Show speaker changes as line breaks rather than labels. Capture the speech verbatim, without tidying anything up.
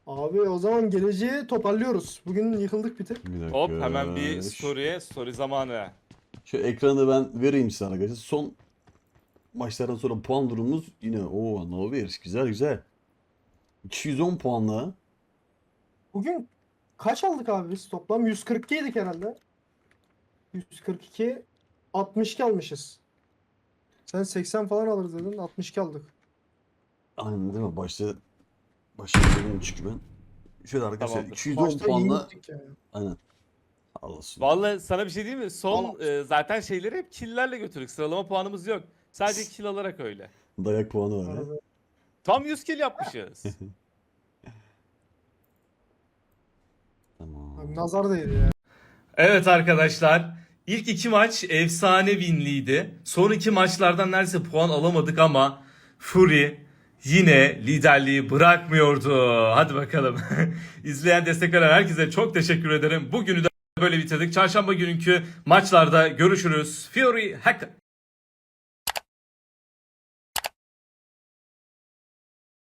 Abi o zaman geleceği toparlıyoruz. Bugün yıkıldık bir tık.
Bir dakika.
Hop hemen bir
Şu-
story, story zamanı.
Şu ekranı ben vereyim sana arkadaşlar. Son maçlardan sonra puan durumumuz yine o no bir güzel güzel. iki yüz on puanla.
Bugün kaç aldık abi biz toplam? yüz kırk iki yedik herhalde. yüz kırk iki, altmış iki almışız. Sen seksen falan alırız dedin, altmış iki aldık.
Aynen değil mi? Başta başta söyledim çünkü ben. Şöyle arkadaşlar
Tamamdır.
iki yüz on
Başta iyi
puanla
gittik yani.
aynen. Olasın.
Vallahi sana bir şey diyeyim mi? Son
Allah.
e, zaten şeyleri hep kill'lerle götürdük. Sıralama puanımız yok. Sadece kill alarak öyle.
Dayak puanı var ya.
Arada.
Tam yüz kill yapmışız.
Tamam.
Abi nazar değdi ya.
Evet arkadaşlar. İlk iki maç efsane winliydi. Son iki maçlardan neredeyse puan alamadık ama Fury yine liderliği bırakmıyordu. Hadi bakalım. İzleyen, destek veren herkese çok teşekkür ederim. Bugünü de böyle bitirdik. Çarşamba günkü maçlarda görüşürüz. Fury Hacker.